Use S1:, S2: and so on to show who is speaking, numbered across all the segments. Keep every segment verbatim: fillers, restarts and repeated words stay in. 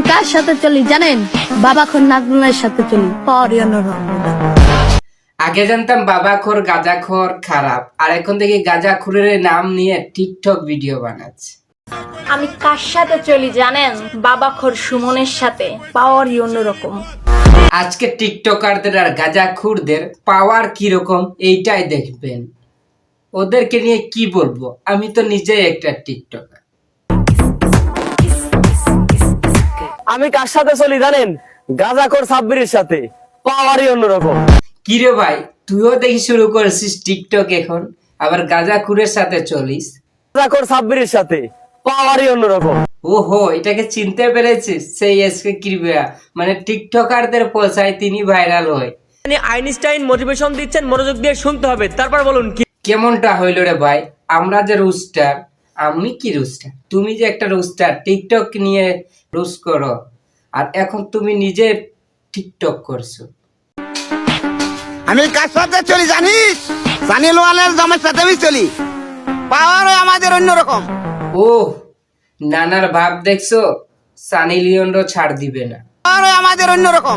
S1: কার সাথে চলি জানেন? বাবাখোর নাজমুলের সাথে চলি। অরিয়নরম।
S2: আগে জানতাম বাবাখোর গাঁজাখোর খারাপ, আর এখন থেকে গাঁজাখোরের নাম নিয়ে টিকটক ভিডিও বানাচ্ছে।
S1: আমি কার সাথে চলি জানেন? বাবাখোর সুমনের সাথে। পাওয়ারই অন্যরকম।
S2: আজকে টিকটকারদের আর গাঁজাখোরদের পাওয়ার কিরকম এইটাই দেখবেন। ওদেরকে নিয়ে কি বলবো, আমি তো নিজেই একটা টিকটকার।
S3: আমি কার সাথে চলি জানেন? গাঁজাখোর সাব্বিরের সাথে। পাওয়ারই অন্যরকম।
S2: কিরে ভাই, তুইও দেখি শুরু করেছিস টিকটক এখন, আবার গাঁজাখোরের সাথে চলিস?
S3: গাঁজাখোর সাব্বিরের সাথে। পাওয়ারই অন্যরকম।
S2: ওহো, এটাকে চিনতে পেরেছিস? সেই এসকে ক্রিয়া মানে টিকটকারদের পৌঁছায় তিনি ভাইরাল হয়।
S3: মানে আইনস্টাইন মোটিভেশন দিচ্ছেন, মনোযোগ দিয়ে শুনতে হবে, তারপর বলুন কি
S2: কেমনটা হইল রে ভাই? আমরা যে রুস্টার, আমি কি রুস্টার, তুমি যে একটা রুস্টার টিকটক নিয়ে রুস করো, আর এখন তুমি নিজে টিকটক করছো।
S4: আমি কার সাথে চলি জানিস? সানি লোয়ালের জামাইয়ের সাথে আমি চলি। পাওয়ারও আমাদের অন্যরকম।
S2: ও, নানার ভাব দেখছো? সানি লিওনও ছাড় দিবে না।
S4: পাওয়ারও আমাদের অন্যরকম।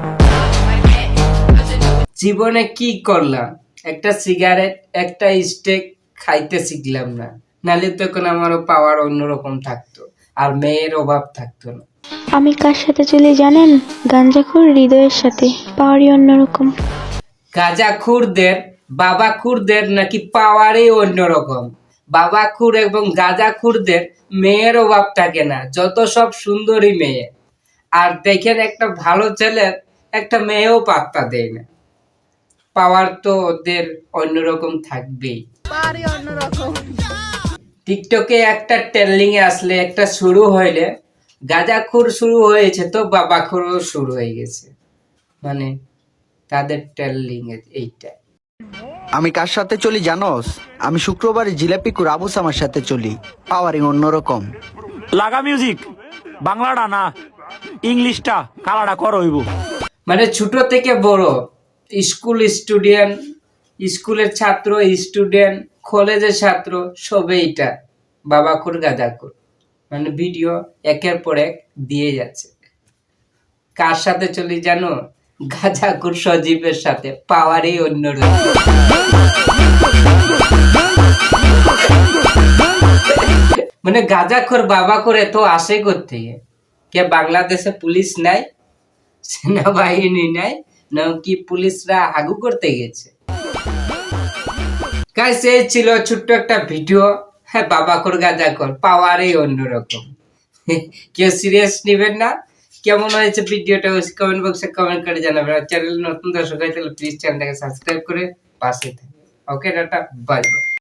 S2: জীবনে কি করলাম? একটা সিগারেট, একটা স্টেক খাইতে শিখলাম না, নাহলে তো এখন আমারও পাওয়ার অন্যরকম থাকতো, আর মেয়ের অভাব থাকতো না।
S5: আমি কার সাথে চলি জানেন? গাঞ্জাখোর হৃদয়ের সাথে। পাওয়ারই অন্যরকম।
S2: গাঁজাখুরদের বাবাখুরদের নাকি পাওয়ারই অন্যরকম। বাবাখুর এবং গাঁজাখুরদের মেয়ের অভাব থাকে না, যত সব সুন্দরী মেয়ে। আর দেখেন একটা ভালো ছেলের একটা মেয়েও পাত্তা দেয় না। পাওয়ার তো ওদের অন্যরকম থাকবেই। টিকটকে একটা ট্রেন্ডিং এ আসলে, একটা শুরু হইলে, গাঁজাখুর শুরু হয়েছে তো বাবাখুরও শুরু হয়ে গেছে, মানে তাদের ট্রেন্ডিং এইটা।
S6: আমি কার সাথে চলি জানোস? আমি শুক্রবারে জিলাপি কুর আবু সামার সাথে চলি। পাওয়ারিং অন্যরকম।
S7: লাগা মিউজিক বাংলাটা না ইংলিশটা কালাটা কর হইব।
S2: মানে ছোট থেকে বড়, স্কুল স্টুডেন্ট, স্কুলের ছাত্র, স্টুডেন্ট, কলেজের ছাত্র, সবে এটা বাবাখুর গাঁজাখুর মানে ভিডিও একের পর এক দিয়ে যাচ্ছে। কার সাথে চলি জানো? গাঁজাখুর সজীবের সাথে। পাওয়ারই অন্যরকম। মানে গাঁজাখোর বাবাখোর এত আসে কোত্থেকে? কে বাংলাদেশে পুলিশ নাই, সেনাবাহিনী নাই, না কি পুলিশরা হাগু করতে গেছে? গাইস, এই ছিল ছোট্ট একটা ভিডিও। হ্যাঁ, বাবাখোর গাঁজাখোর পাওয়ারই অন্যরকম। কেউ সিরিয়াস নেবেন না। কেমন হয়েছে ভিডিওটা কমেন্ট বক্সে কমেন্ট করে জানাবেন। আর চ্যানেল নতুন দর্শক হয় তাহলে প্লিজ চ্যানেলটাকে সাবস্ক্রাইব করে পাশে থাকবেন। Okay, tata, bye by.